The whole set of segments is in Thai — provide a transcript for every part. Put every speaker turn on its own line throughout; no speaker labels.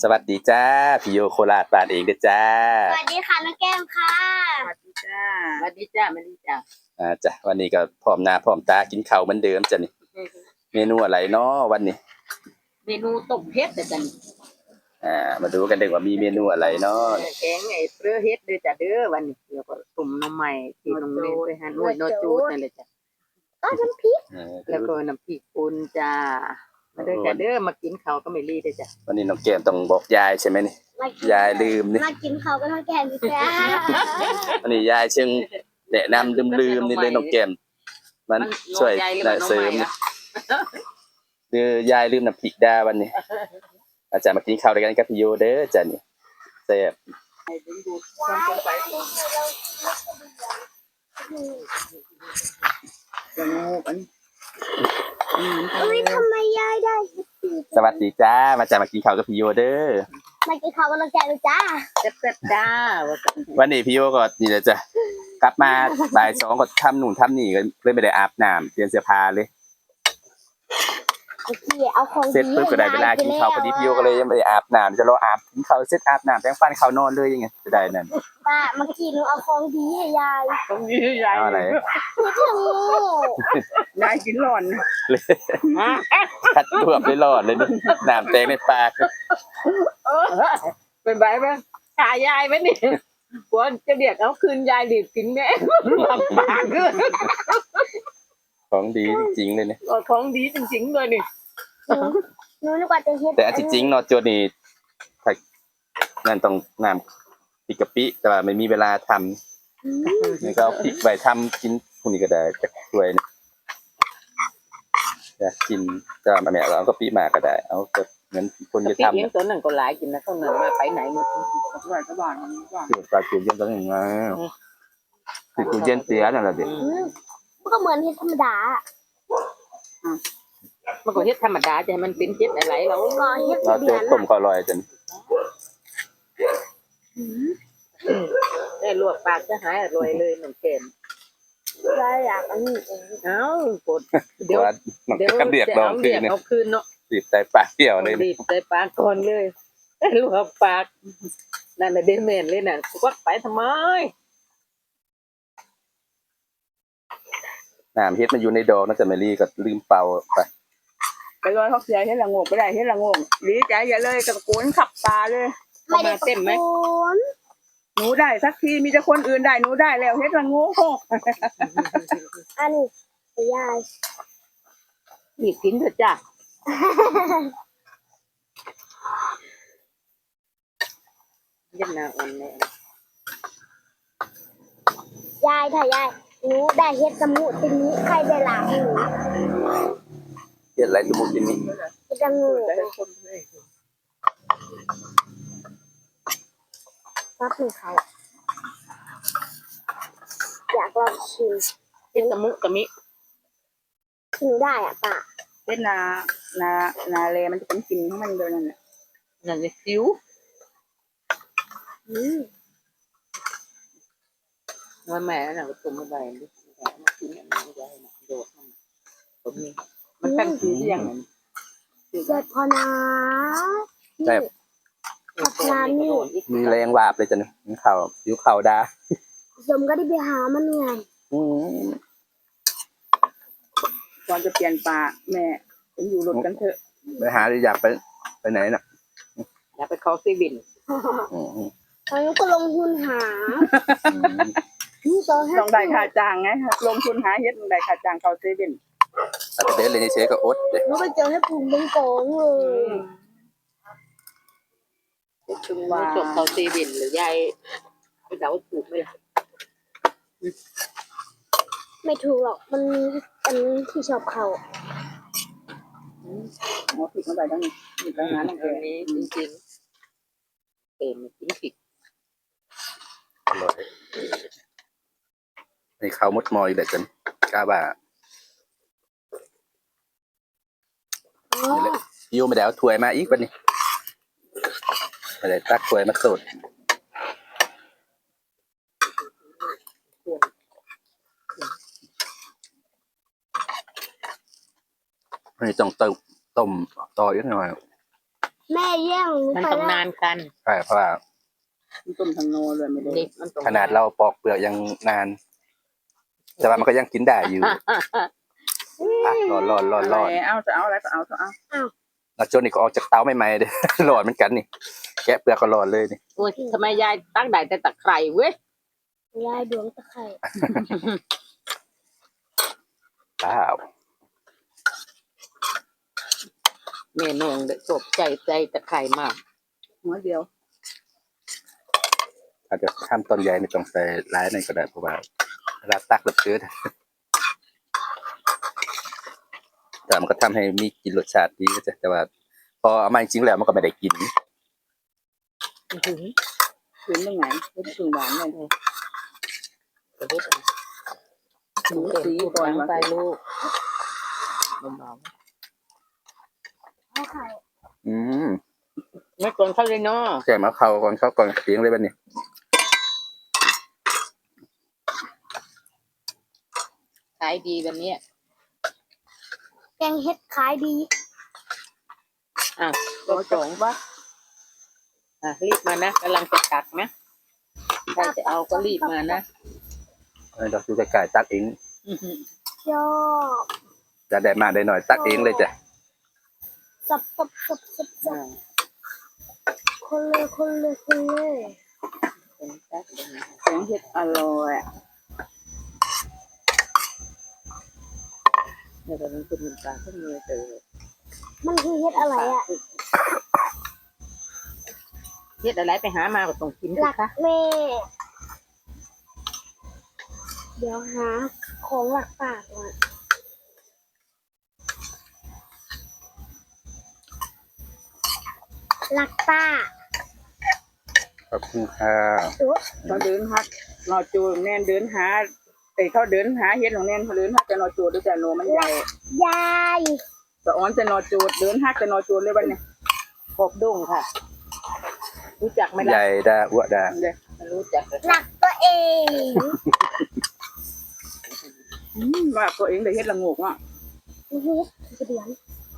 สวัสดีจ้าพี่โยโคราชบ้านเองเด้อจ้า
สวัสดีค่ะน้องแก้มค่ะ
สวัสดีจ้าสวัสดีจ้าสวัสดีจ้า
จ้ะวันนี้ก็พร้อมหน้าพร้อมตากินข้าวเหมือนเดิมจ้ะนี่เมนูอะไรเนาะวันนี้
เมนูต้มเห็ดจ้ะนี่
มาดูกันเด้อว่ามีเมนูอะไรเนาะ
แกงไอ้เปลือเห็ดเด้อจ้ะเด้อวันนี้แล้วก็ตุ่มน้ำใหม่ที่น้องเล่นไปหาหน่วยโนจูดนั่นแหละจ้ะ
ก็น้ำพริก
แล้วก็น้ำพริกป่นจ้ามาเด้อจ้ะเด้อมากินข้าวก็ไม่รีเด้อจ้ะ
วันนี้น้องแก้มต้องบอกยายใช่ไหมนี่ยายลืมนี่
มากินเขาก็น้องแก้มจ้า
วันนี้ยายเชิงแนะนำลืมนี่เลยน้องแก้มมันช่วยเสริมคือยายลืมน้ำพริกดาวันนี้อาจารย์มากินข้าวด้วยกันกับพี่โยเด้อจ้ะนี่แซ่บ
ทำไมยายได้
สวัสดีจ้ามาจากมากินข้าวกับพี่โยเด้อ
มากินเขาก็น้องแก้มจ้า
แซ่บจ้า
วันนี้พี่โยก็นี่แหละจ้ะกลับมาบ่าย2ก็ทำนู่นทำนี่ก็เลยไม่ได้อาบน้ำเปลี่ยนเสื้อผ้าเลยเสร็จปุ๊บก็ได้เวลากินข้าวพอดีพี่โยก็เลยยังไม่ได้อาบน้ำจะรออาบกินข้าวเสร็จอาบน้ำแปรงฟันเข้านอนเลยยังไงจะได้นั่น
ป้าเมื่อกี้หนูเอาของดีให้ยาย
ของดีให้ยาย
เอาอะไร
ยายกินร้อน
คัดรวบได้รอดเลยนี่น้ำแตงในปาก
เป็นใบไหมขายายไหมนี่หัวจะเรียกเอาคืนยายดิบกินแม่ปาก
ของดีจริงๆเลยเนี่ย
ของดีจริงๆเลยนี่
หนูนึกว่าจะเฮ็ด
แต่จริงๆเนาะโจนี่นั่นต้องน้ำพริกกะปิแต่ว่าไม่มีเวลาทำนี่ก็เอาพริกใบทำกินพวกนี้ก็ได้จะช่วยอยากกินก็มาแม่เราเอากะปิมาก็ได้เอาก็เหมือนคนจะทำ
เนี่ยตัวหนึ่งก็หลายกินนะเขาหนึ่งมาไปไหนหมดว่าจะบ้านมันว่า
คือปลาเกี๊ยวเย็นตัวหนึ่งไงคือกูเย็นเสียนั่นแหละเด็ก
มันก็เหมือนเฮ็ดธรรมดา
มันก็เฮ็ดธรรมดาจะให้มันเป็นเฮ็ดอะไรเรา
ต้มข้าวลอยจน
ได้ลวกปากจะหายอร่อยเลยน้องแก้ม
ได้อยากอันนี้
เอ้ากดเดี๋ยว
เรียกน้องคืนเนี่ย
เอาคืนเนาะ
บีบใส่ปากเกี่ยวเลย
บีบใส่ปากก่อนเลยลวกปากนั่นน่ะเดเมนเลยน่ะควักไปทำไม
น้ำเฮ็ดมันอยู่ในดอกน่าจะไม่รีก็ลืมเป่า
ไปลอยเขาเสียเฮ็ดละงกไม่ได้เฮ็ดละงกดีใจอย่าเลยตะโกนขับตาเลย
ไม่ได้เต็มไหม
หนูได้สักทีมีแต่คนอื่นได้หนูได้แล้วเฮ็ดละงก
อันนี้ยาย
หยิบกินเถอะจ้ะเย็นนาอ่อนเลย
ยายถ้ายายหนูได้เฮ็ดสมุตินี้ใครได้หลังหนู
เฮ็ดอะไรสมุตินี้
เฮ็ดละงูรับหนูเขาอยากลองชิม
เฮ็ดสมุกะมิ
หนูได้อ่ะป้า
เฮ็ดนาเลมันจะเป็นกลิ่นของมันด้วยนั่นแหละนั่นเลยซิวว่าแม่น่ะก็ตุ่มมาใบดิแม่มากินอันนี้ได้น่ะโดดมันผมนี่มันตั้งชื่อยัง
เจ็บพอนะ
ใช่มีแรงวาบเลยจ้ะนี่ข่าวอยู่ข่าวดา
สมก็ได้ไปหามันไง
ก่อนจะเปลี่ยนปลาแม่ผมอยู่รถกันเถอะ
ไปหาหรืออยากไปไหนน่ะ
อยากไปคอซีวิน
ตอนนี้ก็ลงทุนหา
ต้องได้ค่าจ้างไงลงทุนหาเฮ็ดได้ค่าจ้างคอซีวิน
แต่เด็ดเลยนี่เชฟก็อดเด็
กไปเจอให้ปุ่มเป็นโกงเลย
ถึงว่าจบคอซีวินหรือยายไปเดาถูกไหมล่ะ
ไม่ถูกหรอกมันมีอันที่ชอบเขา
ผิดเมื่อไหร่ต้องมีปัญหาตรงนี้จริงๆจริงผิด
อร่อยในข้าวมดมอยแบบกันกล้าบ่าพี่โยไม่ได้เอาถ้วยมาอีกวันนี้ไม่ได้ตักถ้วยมาสดนี่ต้องต้มต่ออีกหน่อย
แม่แย่งหนู
มัน
ไป
ต้อง
แล้ว
นานกัน
ใช่เพราะว่า
มันต้มทางโนเลยไม่ได้เด็กมันต้อง
ขนาดเราปอกเปลือกยังนาน แต่ว่ามันก็ยังกินได้อยู่อ่ะร้อน
เอาจะเอาอะไรก็เอา
แล้วจนนี่ก็ออกจากเตาใหม่ๆเด้ ร้อนเหมือนกันนี่แกะเปลือกก็ร้อนเลยนี่
โอ้ยทำไมยายตั้งได้แต่ตะไคร่เว้ย
ยายดวงตะไคร่
ว้าว
เมนูจบใจตะไคร่มากหัวเดียว
อาจจะทำต้นใหญ่ไม่ต้องใส่ร้ายนั่นก็ได้เพราะว่าเวลาตักแบบเชื้อแต่มันก็ทำให้มีกลินรสชาติดีก็จะแต่ว่า พอเอามาจริงๆแล้วมันก็ไม่ได้กิน
ถึงยังไงไม่ถึงหวานเลยถึงสีก่อนมาใส่ลูกเบา
เอาไข่
อืม
ๆไม่ก่อนเขาเลยเนาะ
แกะมาเข้าก่อนเข้าก่อนเสียงเลยบัดนี้
ขายดีแบบนี้
แกงเฮ็ดขายดี
ตัวสองวะรีบมานะกำลังจะตักนะใครจะเอาก็รีบมานะ
เราดูจะกายตักเอง
ชอบ
จะได้มาได้หน่อยตักเองเลยจ้ะ
สับคนเลย
แกงเห็ดอร่อยเนี่ยแต่มันเป็นน้ำตาลขึ้นมือเตย
มันคือเฮ็ดอะไรอ่ะ
เห็ดอะไรไปหามาก็ต้องกิน
หลัก
ค่ะ
แม่เดี๋ยวหาของหลักปากก่อนหลักป้า
ขอบคุณค่ะ
เขาเดินฮักนอจูแน่นเดินหาเขาเดินหาเห็ดของแน่นเขาเดินฮักจะนอจูด้วยแต่โนมันใหญ่
ยาย
สะอ้อนจะนอจูเดินฮักจะนอจูเลยวันนี้กบดุ้งค่ะ รู้จักไหม
ให
ล่ะ
ญ่ดาอ้วดา
เลยไม่รู้จักเลย
หลักตัวเอง
ว่าตัวเองได้เฮ็ดละงกอ่ะ
เฮ็ดกระเดือน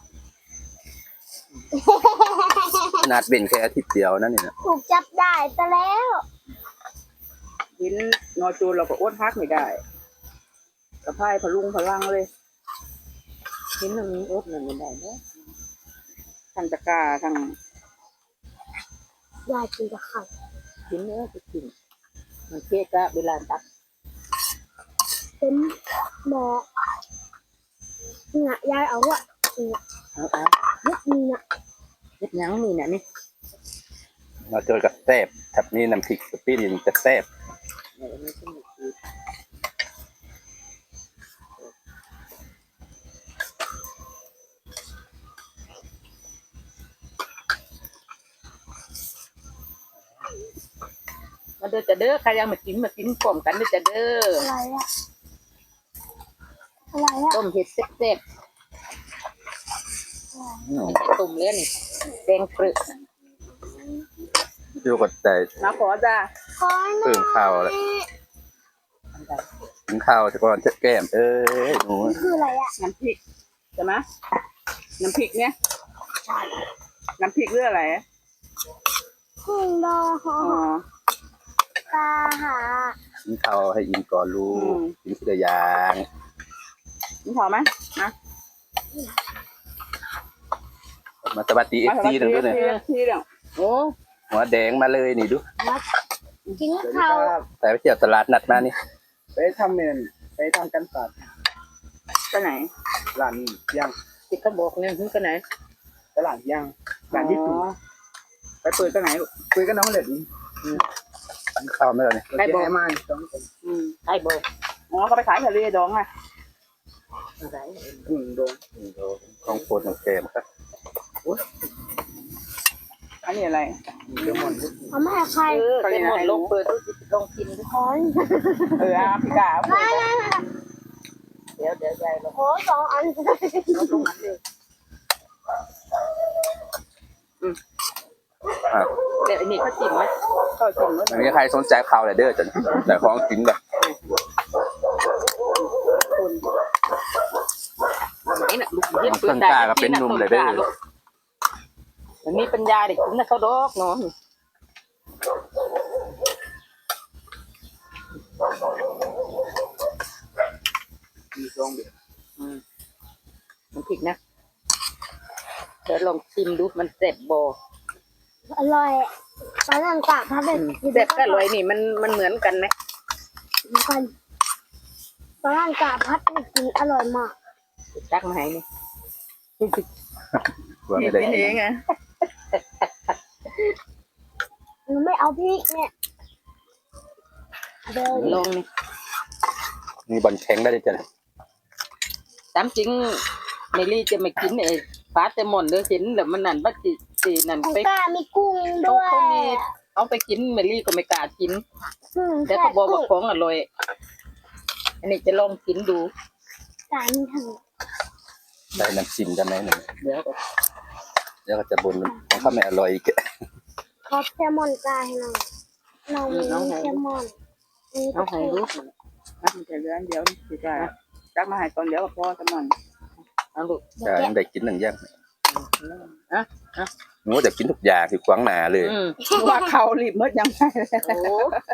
ขนาดเป็นแค่อาทิตย์เดียวนั่นนี่นะ
ถูกจับได้ซะแล้ว
เห็นนอจูเราก็อดฮักไม่ได้กระพายพลุงพลังเลยเห็นมันมีอดมันไม่ได้เนาะทางตะกร้าทาง
ยายกินกับไข่
กินเนื้อจะกินมันเก๊กะเวลาตัก
เต็มหม้อเนี่ยยายเอาอะเนี่ย
เอา
เฮ็ดนี่นะ
เฮ็ดหยังนี่น่ะนี่
เราเจอกับแซ่บทับนี้น้ำพริกกะปินี่จะแซ่บ
ไม่ใช่หมูคือมาเด้อจะเด้อใครยังมากินพร้อมกันเด้อจะเด้อ
อะไรอะอะไรอะ
ต้มเห็ดแซ่บ
อืม
ๆไม่ใช่ต้มเลยนี่แดงเปรึก
อยู่กับแต่
มาขอจ้า
ขอหน่
เพิ่
อย
มข้าวแล้วกินข้าวจะก่อนจะแก้มหนู
คืออะไรอะ
น้ำพริกใช่ไหมน้ำพริกเนี่ยน้ำพริกเรื่องอะไร
กุ้งดองหอ
อ๋อ
ปลาหา
กินข้าวให้อิ่มก่อนลู
อื
ก
ม
กินทีละอย่าง
นี่พอไหมนะ
มาสวัสดีเอฟซีหนึ่งด้วยเนี่ย
ที่เดียวโอ้
หัวแดงมาเลยนี่ดู
กินข้าว
แต่ไปเที่ยวตลาดนัดมานี่
ไปทำเมนไปทำกันศาสตร์
ไปไหน
ร้านย่าง
ที่เขาบอกเนี่ยถึงไปไหน
ตลาดย่างร้านญี่ปุ่น
อ๋อไปเปิดไปไหนลูก
คุยกับน้องเล็ด
กินข้าวไหมล่ะเนี่ย
เราจะให้มาต้องเป็น
ใครบอกอ๋อเขาไปขายทะเลดองไงอะไร
กุ้งโดน
ของโปรดของแก้มครับ
อันนี้อะไร
เดมอน
เอามาให้ใคร
เป็นหมดลงเปิดลงกิน
ขอ
พี่กา
ไม่
เดี๋ยวยายลง
ขอสองอัน
ตรงนั้นเลย
อ่ะ
เดี๋ยวอันนี้เขาจิ้มไหมเขาจิ้มแล้ว
ไม่มีใครสนใจข่าวเลยเด้อจ้ะแต่ของกินแบบ
คนไหนน่ะลูกเย็บ
ต้นกล้าก็เป็นหนุ่มเลยเด้อ
มันมีปัญญาเด็กกินนะเขาดอกเนาะ
มีซองเดียว
มันผิดนะเดี๋ยวลองชิมดูมันแซ่บบ่
อร่อยตอนนั้นกะพับเป็น
แซ่บกับอร่อยนี่มันเหมือนกันไหม
กันตอนนั้นกะพับกินอร่อยมาก
ตักมาให้นี่
ว่าไม่ได้
กิน
กิ
เอง
น
อ่ะ
หนูไม่เอาพริกเนี่ยเดิน
ลองนี่
มีบอลแข็งได้จ้ะ
ตามจริงเมลี่จะไม่กินไอ้ปลาแซลมอนเด้อเห็นแล้วมันนั่นว่าสินั่น
ของ
ไป
กามีกุ้ง
เขา
ด้วย
เขามีเอาไปกินเมลี่ก็ไม่กล้ากิน แต่
แต่
เขาบอกว่าของอร่อยอันนี้จะลองกินดู
กามีทั้ง
ได้น้ำจิ้มได้ไหมหนึ่ง
เดี๋ยวก็
เดี๋ยวก็จะบนของข้าวไม่อร่อยอีก
ขอแซลมอนกาให้หน่อยน้องมีแซลมอนนี่
เอาให้ดูมันจะเลื่อนเดี๋ยวสิจ้าตักมาให้ตอนเดี๋ยวก็พอแซลมอนเอาลูก
จะยังได้กินหนึ่งอย่าง
อ่ะ
หนูจะกินทุกอย่างที่ขวางหนาเลย
ว่าเขารีบมดยังไงโอ้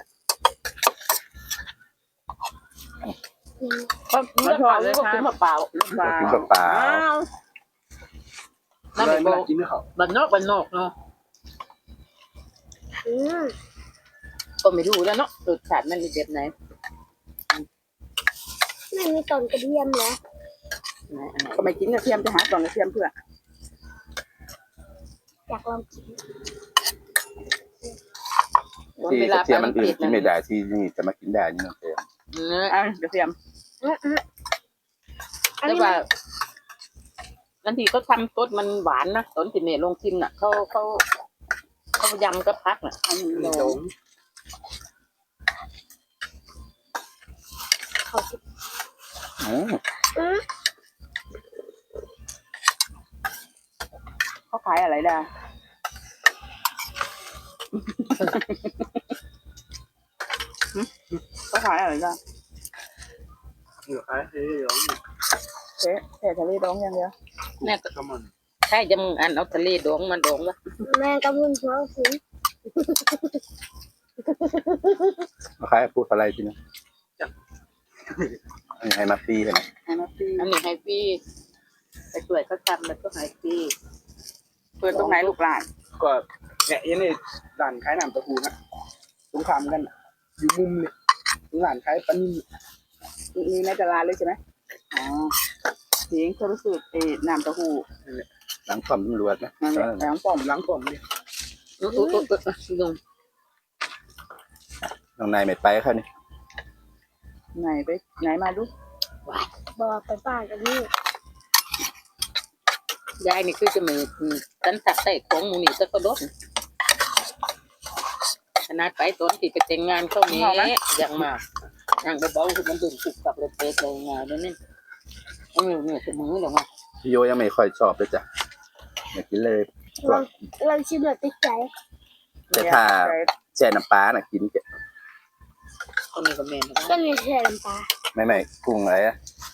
มันทอดเลยก็กินเปล่า
กินเปล่า
นั่น
เล
เป็
ย
น
ไม่
โบ
ได้กินด้วยเขา
บันนอกเนาะ
อืม
ก็ไม่รู้แล้วเนาะรสชาติมันเป็นแบบไหน
ไม่มีต้นกระเทียมเหรอ
ก็ไม่กินกระเทียมจะหาตอนกระเทียมเพื่อ
อยากลองกิน
ที่กระเทียมมันอื่นกินไม่ได้ที่นี่จะมากินได้นี่น้องเต็ม
กระเทียม
อัน
แต่
นี้
ว่าบางทีเขาทำต้นมันหวานนะตอนที่เมย์ลงชิมน่ะเขายำก็พักน่ะอันนี้
มี
โด
ซอง
เขา
อืม
เขาขายอะไรได้ เขาขายอะไรได้
เหลือใครเฮ้ยร้อง
แค่ทะเลดองอย่างเดียวแม่
ข้าวมัน
ใช่จะมึงอันเอาทะเลดองมันดองวะ
แม่กับคุณพ่อคุณ
ใครพูดอะไรทีนะให้มาฟรีใช่ไหม
ให้มาฟรีอันนี้ให้ฟรีไปช่วยเขาทำแล้วก็ให้ฟรีเปิดตรงไหนลูกหลาน
ก็เนี่ยยันนี่ร้านขายน้ำเต้าหู้นะสงครามกันอยู่มุมเนี่ยร้านขายปลานิ่ม
มีในตลาดเลยใช่ไหมอ๋อเสียงเขารู้สึกน้ำเต้าหู้
หลังความตำรวจนะ
นั่นแหละแหลงป้อม
ล้างป้อมเนี่ย
ลุง
น้องนายไม่ไปเขานี่
ไหนไปไหนมาดู
บอกไปป้ากันนี่
ยายนี่คือจะมีตันตักใส่ของหมูนี่ตะกระดกขนาดไปตอนที่ไปแต่งงานเขานี้อย่างมากอย่างเบาๆคือมันดึงสุกกับเลยเป๊ะเลยงานนี่เนี่ยคือมือหรอวะ
พี่โยยังไม่ค่อยชอบเลยจ้ะอยากกินเลย
ลองชิมหน่อยติดใจ
แต่ถ้าแช่น้ำปลาน่ะกิน
คนนี้ก็แม่น
ก็มีแช่น้ำปลา
ไม่กุ้งอะไรอะ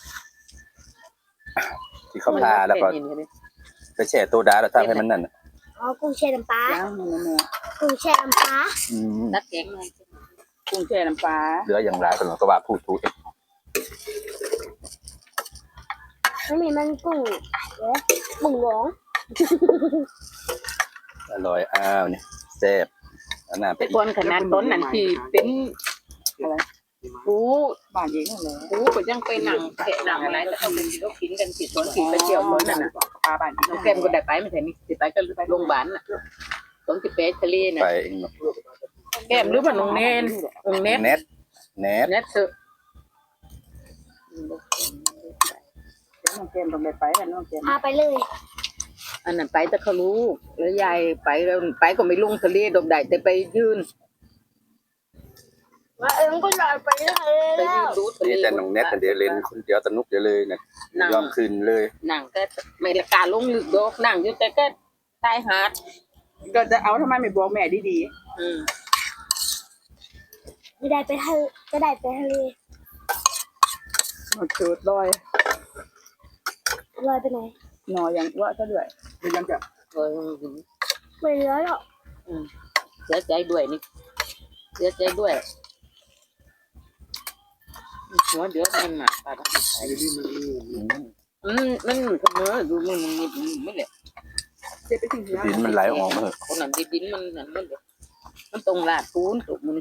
ที่เขาพาแล้วก็ไปแช่โซดาแล้วทำให้มันนั่นน่ะ
อ๋อกุ้งแช่น้ำปลา
ย่างมันเนี่ย
กุ้งแช่น้ำปลา
อืม
นักแกงกุ้งแช่น้ำปลา
เหลืออย่างไรตลอดก็ว่าพูดถูก
ไม่มีมันกุ้งเดี๋ยวบุ๋งหลง
อร่อยอ้าวนี่แซ่บอันน่าไป
แต่
อี
ค
ก
นขนาดต้นนั่นที่เป็นอะไรปูบ้านเองอะไรปูก็ยังไปหนังแกะหนังอะไรแต่เขาเป็นเขากินกันผิดต้นผิดไปเที่ยวต้นนั่นน่ะปลาบ้านน้องแก้มก็ได้ไปไม่ใช่นี่สิไปก็โรงพยาบาลน่ะต้นที่เป๊ะทะเลน่ะ
ไปเองเนาะ
แก้มหรือว่าน้องเนนน้องเนน
เน็ต
เนตเถอะน้องแก้มต้องไปกันน้องแก้ม
พาไปเลย
อันนั้นไปแต่เขารู้แล้วยายไปแล้วไปก็ไม่ลงทะเลดอกได้แต่ไปยืน
ว่าก็ลอยไปเลย
ไป
แล้
ยื
วน
ดูทะเล
นี่แต่น้องเน็ตแต่เดี๋ยวเล่นคนเดียวสนุกเดี๋ยวเลยเนี่ยยอมคืนเลย
นั่งก็ไม่ละกาลงลึกดอกนั่งอยู่แต่ก็ชายหาดก็จะเอาทำไมไม่บอกแม่ดีๆ
ไม่ได้ไปทะเลก็ได้ไปทะเล
มันจุดลอย
ลอยไปไหน
หนออย่างว่าซะด้วย
เป็นยังจะ
ลอย
ไม่เหลือหรอก
เสียใจด้วยนี่เสียใจด้วยหัวเดือดมันอ่ะตา
ไอ้นี่มันนี่
มันเสมอดูมันไม่เลย
เจ็บไปถึง
ดินมันไหลออกมาเหอะ
คนนั้นดินมันนั่นมันเลยมันตรงลาดปูนตุกมัน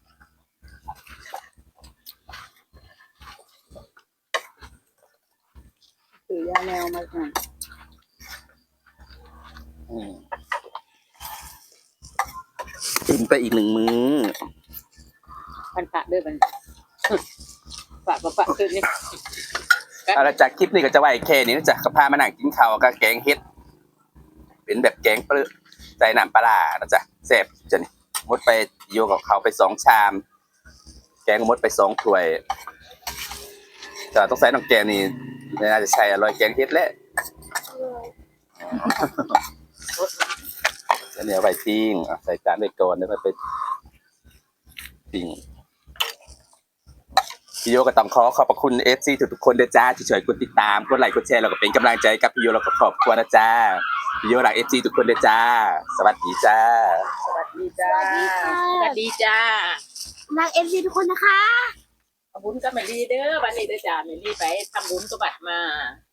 ซื้อยาแนวมาอ่ะ
กินไปอีก1 มื้อ
พันพระด้วยมันฝากคืนนี่
เอาละจากคลิปนี้ก็จะไว้แค่นี้นะจ๊ะก็พามานั่งกินข้าวกับแกงเฮ็ดเป็นแบบแกงเปลือกใส่น้ำปลาร้านะจ๊ะแซ่บจ้ะนี่มดไปโยกับเขาไป2 ชาม แกงมดไป2 ถ้วยแต่ต้องใส่น้ำแกงนี่น่าจะใช่อร่อยแกงเฮ็ดแหละจะเหนียวไปปิ้งใส่จานไปก่อนแล้วไปปิ้งพี่โยก็ต้องขอบพระคุณ FC ทุกๆคนด้วยจ้าที่ช่วยกดติดตามกดไลค์กดแชร์แล้วก็เป็นกำลังใจกับพี่โยแล้วก็ครอบครัวนะจ้าพี่โยรัก FC ทุกคนด้วยจ้าสวัสดีจ้า
สวัสดี
ส
จ้า
วัสดีค่ะ
สวัสดีจ้า
รักเอฟซีทุกคนนะคะ
ทำบุญกับแม่ลีเด้อวันนี้เด้อจ้าแม่ลีไปทำบุญกับบัตรมา